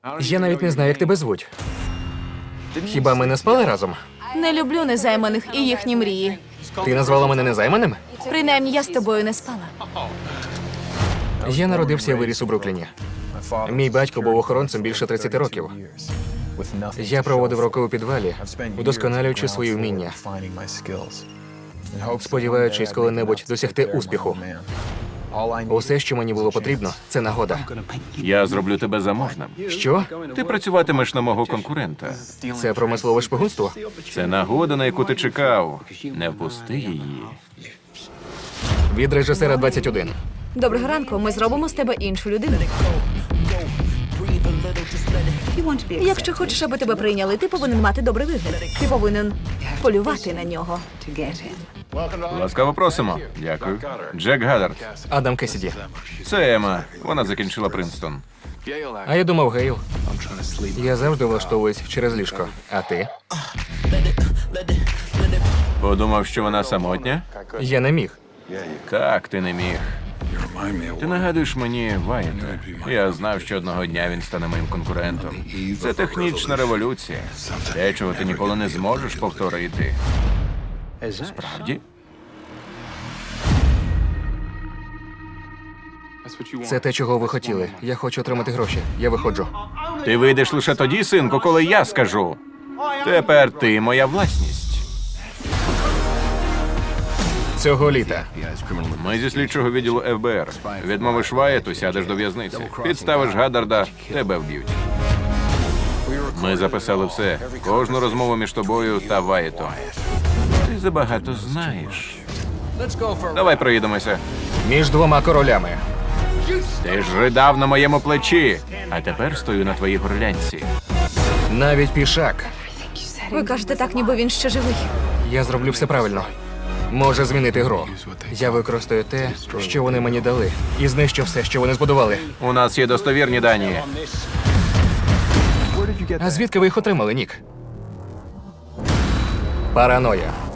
Я навіть не знаю, як тебе звуть. Хіба ми не спали разом? Не люблю незайманих і їхні мрії. Ти назвала мене незайманим? Принаймні, я з тобою не спала. Я народився і виріс у Брукліні. Мій батько був охоронцем більше 30 років. Я проводив роки у підвалі, удосконалюючи свої вміння, сподіваючись коли-небудь досягти успіху. Усе, що мені було потрібно, це нагода. Я зроблю тебе заможним. Що? Ти працюватимеш на мого конкурента. Це промислове шпигунство? Це нагода, на яку ти чекав. Не впусти її. Від режисера 21. Доброго ранку, ми зробимо з тебе іншу людину. Якщо хочеш, аби тебе прийняли, ти повинен мати добрий вигляд. Ти повинен полювати на нього. Ласкаво просимо. Дякую. Джек Гаддард. Адам Кесіді. Це Ема. Вона закінчила Принстон. А я думав, Гейл. Я завжди влаштовуюсь через ліжко. А ти? Подумав, що вона самотня? Я не міг. Так, ти не міг. Ти нагадуєш мені Вайта. Я знав, що одного дня він стане моїм конкурентом. Це технічна революція. Те, чого ти ніколи не зможеш повторити. Справді? Це те, чого ви хотіли. Я хочу отримати гроші. Я виходжу. Ти вийдеш лише тоді, синку, коли я скажу. Тепер ти моя власність. Цього літа. Ми зі слідчого відділу ФБР. Відмовиш Ваєту, сядеш до в'язниці. Підставиш Гаддарда, тебе вб'ють. Ми записали все. Кожну розмову між тобою та Ваєтом. Ти забагато знаєш. Давай проїдемося. Між двома королями. Ти ж ридав на моєму плечі, а тепер стою на твоїй горлянці. Навіть пішак. Ви кажете так, ніби він ще живий. Я зроблю все правильно. Може змінити гру. Я використаю те, що вони мені дали, і знищу все, що вони збудували. У нас є достовірні дані. А звідки ви їх отримали, Нік? Параноя.